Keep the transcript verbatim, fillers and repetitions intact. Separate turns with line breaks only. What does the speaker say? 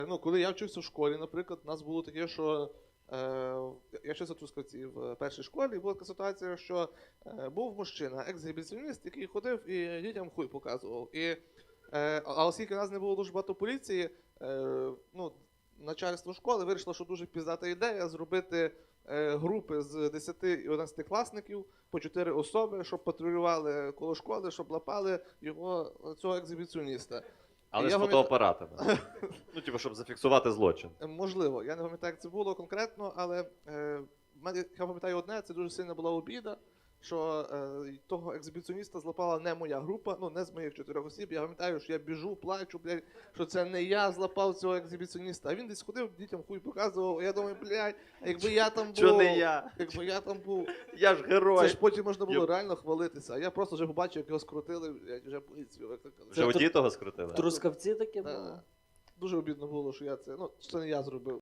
Ну, коли я вчився в школі, наприклад, у нас було таке, що е, я вчився в Трускавці в першій школі, і була така ситуація, що е, був мужчина, ексгібіціоніст, який ходив і дітям хуй показував. І, е, а оскільки у нас не було дуже багато поліції, е, ну, начальство школи вирішило, що дуже піздата ідея зробити е, групи з десяти і одинадцятикласників по чотири особи, щоб патрулювали коло школи, щоб лапали його, цього ексгібіціоніста.
Але
І
з
я
фотоапаратами. Ну, типу, щоб зафіксувати злочин.
Можливо, я не пам'ятаю, як це було конкретно, але е, в мене, я пам'ятаю одне, це дуже сильна була обіда, що е, того екзибіціоніста злапала не моя група, ну не з моїх чотирьох осіб. Я пам'ятаю, що я біжу, плачу, блядь, що це не я злапав цього екзибіціоніста. А він десь ходив, дітям хуй показував, а я думаю, блядь, якби я там був,
Чо не я?
якби я там був,
Я ж герой.
це ж потім можна було
Я-
реально хвалитися. А я просто вже побачив, як його скрутили, блядь, вже поліцію викликали.
Вже у того скрутили?
В Трускавці таке
Да.
було?
Дуже обідно було, що я це, ну, що це не я зробив.